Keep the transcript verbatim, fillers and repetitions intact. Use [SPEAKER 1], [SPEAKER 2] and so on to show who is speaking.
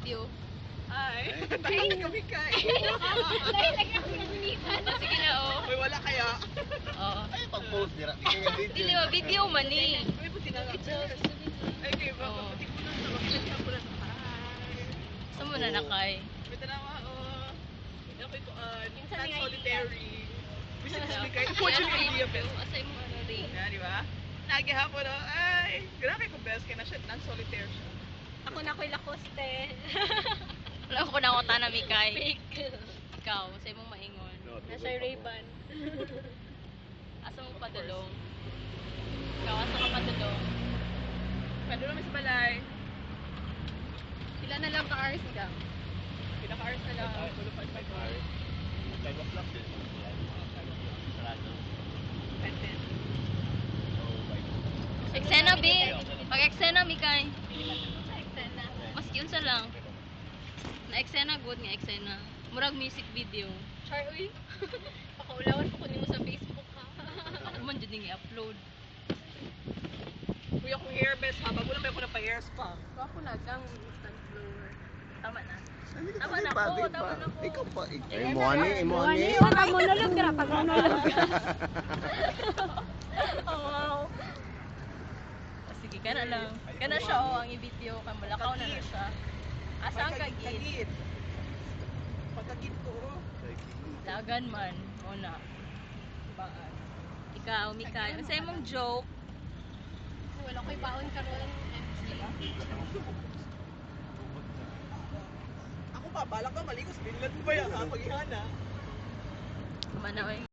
[SPEAKER 1] video.
[SPEAKER 2] Ay, tayo kami kay.
[SPEAKER 1] Dahil lagi ako nagunitan. Sige na, oh.
[SPEAKER 2] Uy, wala kaya.
[SPEAKER 1] Oo.
[SPEAKER 3] Ay, pag-post nila. Di kaya video.
[SPEAKER 1] Dili ba, video man eh.
[SPEAKER 2] Uy, buti na lang. Ay, kayo ba?
[SPEAKER 1] Oo.
[SPEAKER 2] Buti ko na sa mga ko na sa ay.
[SPEAKER 1] Saan mo na nakay?
[SPEAKER 2] May tanawa, oh. Okay ko, uh,
[SPEAKER 1] Minsan
[SPEAKER 2] not
[SPEAKER 1] may
[SPEAKER 2] solitary. Bisa na sabi kayo.
[SPEAKER 1] Yan
[SPEAKER 2] Fortunately,
[SPEAKER 1] ang
[SPEAKER 2] idea,
[SPEAKER 1] video. Asay mo ano rin.
[SPEAKER 2] Yan, di ba? Nagihapon, oh. Ay, grabe ko best kaya na siya, non-solitaire siya.
[SPEAKER 1] Ako na ko'y lakoste. Wala ko na ako tanami kay. Fake. Ikaw, sa'yo mong maingon.
[SPEAKER 3] Nasa
[SPEAKER 1] Ray-Ban. Asa mo padulong? Ikaw, asa ka padulong?
[SPEAKER 2] Pwede naman sa balay.
[SPEAKER 1] Sila na lang ka-hours ka.
[SPEAKER 2] Pinaka-hours na lang. Tulo pa five hours.
[SPEAKER 3] five o'clock din. Sarado.
[SPEAKER 2] Pwede.
[SPEAKER 1] Eksena, B. Pag-eksena, Mikay. Mas yun sa lang. Na-eksena, good nga eksena. Murag music video. Char, uy. Pakaulawan ko kunin mo sa Facebook, ha? Ako man dyan nga i-upload.
[SPEAKER 2] Kuya kong hair best ha. Bago lang may ako na pa-hair spa.
[SPEAKER 1] Ako na, gang instant blower. Tama na.
[SPEAKER 3] Hindi ka
[SPEAKER 1] Tama
[SPEAKER 3] pa
[SPEAKER 1] na
[SPEAKER 3] pa,
[SPEAKER 1] ako,
[SPEAKER 3] di
[SPEAKER 1] tama
[SPEAKER 3] pa.
[SPEAKER 1] na ako.
[SPEAKER 3] Ikaw pa. Eh, mo ani, eh, mo ani.
[SPEAKER 1] Pag monolog ka, pag monolog ka. Oh, wow. Sige, kana lang. Kana siya, oh, ang i-video. Kaya malakaw na na siya. Asa ang kagid?
[SPEAKER 2] Kagid. Pagkagid ko. oh.
[SPEAKER 1] Lagan man. Una. Baan. Ikaw, Mikay. Ang sa'yo mong joke. Wala ko'y baon ka ron.
[SPEAKER 2] Ako pa, balak ka maligos. Binlan mo ba yan ha? Paghihana.
[SPEAKER 1] Kumana, oy.